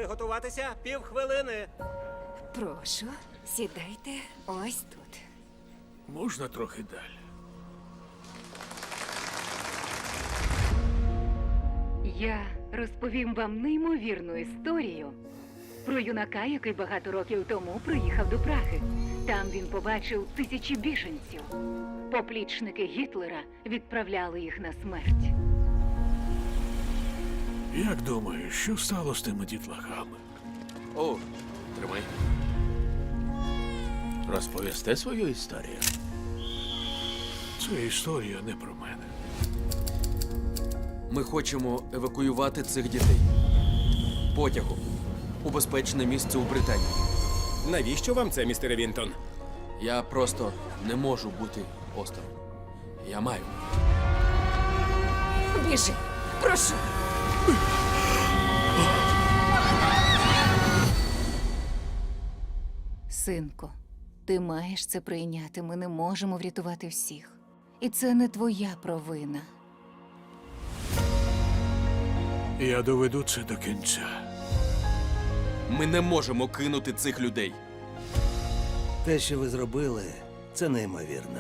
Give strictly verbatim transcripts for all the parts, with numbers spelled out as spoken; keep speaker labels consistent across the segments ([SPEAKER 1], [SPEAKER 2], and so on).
[SPEAKER 1] Приготуватися півхвилини.
[SPEAKER 2] Прошу, сідайте ось тут.
[SPEAKER 3] Можна трохи далі?
[SPEAKER 4] Я розповім вам неймовірну історію про юнака, який багато років тому приїхав до Праги. Там він побачив тисячі біженців. Поплічники Гітлера відправляли їх на смерть.
[SPEAKER 3] Як думаєш, що стало з тими дітлахами?
[SPEAKER 5] О, тримай. Розповісти свою історію?
[SPEAKER 3] Це історія не про мене.
[SPEAKER 5] Ми хочемо евакуювати цих дітей. Потягом. У безпечне місце у Британії.
[SPEAKER 1] Навіщо вам це, містере Вінтон?
[SPEAKER 5] Я просто не можу бути осторонь. Я маю.
[SPEAKER 2] Біжи, прошу. Синко, ти маєш це прийняти. Ми не можемо врятувати всіх. І це не твоя провина.
[SPEAKER 3] Я доведу це до кінця.
[SPEAKER 5] Ми не можемо кинути цих людей.
[SPEAKER 6] Те, що ви зробили, це неймовірно.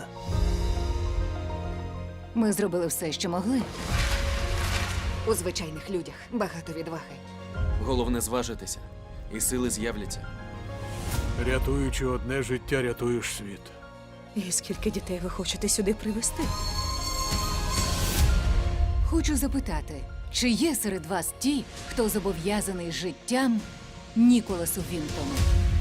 [SPEAKER 2] Ми зробили все, що могли. У звичайних людях багато відваги.
[SPEAKER 5] Головне зважитися, і сили з'являться.
[SPEAKER 3] Рятуючи одне життя, рятуєш світ.
[SPEAKER 7] І скільки дітей ви хочете сюди привезти?
[SPEAKER 2] Хочу запитати, чи є серед вас ті, хто зобов'язаний життям Ніколасу Вінтону?